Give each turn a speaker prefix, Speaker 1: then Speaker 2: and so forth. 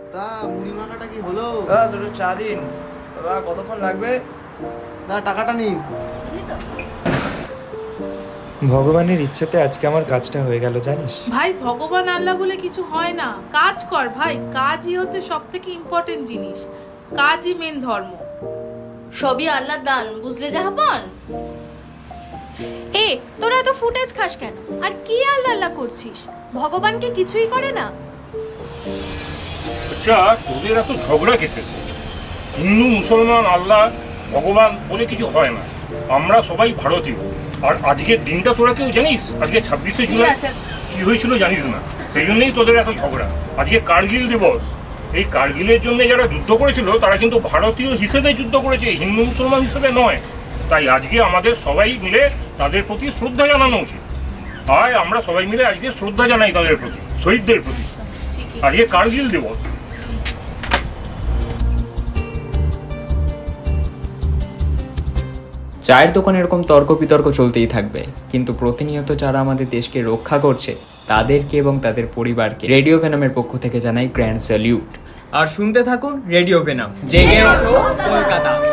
Speaker 1: তা মুড়ি মাখাটা কি হলো?
Speaker 2: দাদা দুটো চা দিন। দাদা কতক্ষণ লাগবে?
Speaker 1: দাদা টাকাটা নিন।
Speaker 3: ভগবানের ইচ্ছেতে আজকে আমার কাজটা হয়ে গেল জানিস।
Speaker 4: ভাই ভগবান আল্লাহ বলে কিছু হয় না, কাজ কর ভাই, কাজই হচ্ছে সব থেকে ইম্পর্টেন্ট জিনিস, কাজই মেন ধর্ম।
Speaker 5: সবই আল্লাহর দান, বুঝলে জাহাপন? তোরা এত ফুটেজ খাস কেন? আর কি আল্লাহ আল্লাহ করছিস? ভগবানকে কিছুই করে না?
Speaker 6: আচ্ছা, তোদের এত ঝগড়া কিসের? হিন্দু মুসলমান আল্লাহ ভগবান বলে কিছু হয় না, আমরা সবাই ভারতীয়। আর আজকের দিনটা তোরা কেউ জানিস? আজকে 26শে জুলাই কি হয়েছিল জানিস না, সেই জন্যই তোদের এত ঝগড়া। আজকে কার্গিল দিবস। এই কার্গিলের জন্য যারা যুদ্ধ করেছিল তারা কিন্তু ভারতীয় হিসেবে যুদ্ধ করেছে, হিন্দু মুসলমান হিসেবে নয়। তাই আজকে আমাদের সবাই মিলে তাদের প্রতি শ্রদ্ধা জানানো উচিত। আর আমরা সবাই মিলে আজকে শ্রদ্ধা জানাই তাদের প্রতি, শহীদদের প্রতি। আজকে কার্গিল দিবস।
Speaker 7: চায়ের দোকানে এরকম তর্ক বিতর্ক চলতেই থাকবে, কিন্তু প্রতিনিয়ত যারা আমাদের দেশকে রক্ষা করছে তাদেরকে এবং তাদের পরিবারকে রেডিও ভেনামের পক্ষ থেকে জানাই গ্র্যান্ড স্যালিউট।
Speaker 2: আর শুনতে থাকুন রেডিও ভেনাম, জেগে ওঠো কলকাতা।